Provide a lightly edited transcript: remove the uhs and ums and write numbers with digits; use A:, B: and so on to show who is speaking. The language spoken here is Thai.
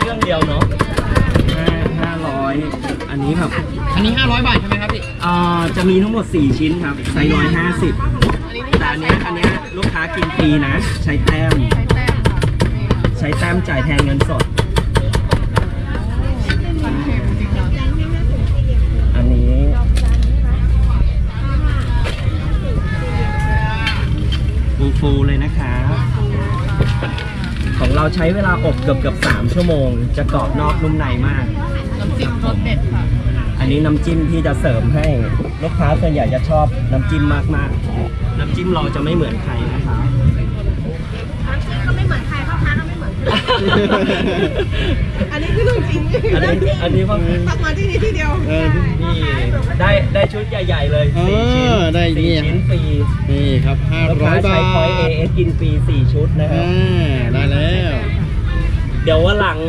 A: รื่องเดียวเนาะ500อันนี้ครับ
B: อันนี้500 บาทใช่ไหมครับพี่
A: จะมีทั้งหมด4ชิ้นครับไซส์150แต่อันเนี้ยลูกค้ากินฟรีนะใช้แต้มจ่ายแทนเงินสดอันนี้ฟูเลยนะคะของเราใช้เวลาอบเกือบ3 ชั่วโมงจะกรอบนอกนุ่มในมาก
B: น้ำจิ้มรสเด็ดค่ะ
A: อันนี้น้ำจิ้มที่จะเสริมให้ลูกค้าส่วนใหญ่จะชอบน้ำจิ้มมากๆน้ำจิ้มเราจะไม่เหมือนใครนะคะ
C: น้ำจิ้มก็ไม่เหมือนใครพ่อค้าก็ไม่เหมือนอันนี้คือเรื่องจริง
A: อันนี้ว่า
C: ต้องมาที่นี่ที่เดียว
A: นี่ได้ชุดใหญ่ๆเลย4 ชิ้น
D: ได้
A: 4 ชิ้นฟรี
D: นี่ครับ500 บาท
A: ใช้พอยต์ AS กินฟรี4 ชุดนะครับ
D: ได้แล้ว
A: เดี๋ยววันหลัง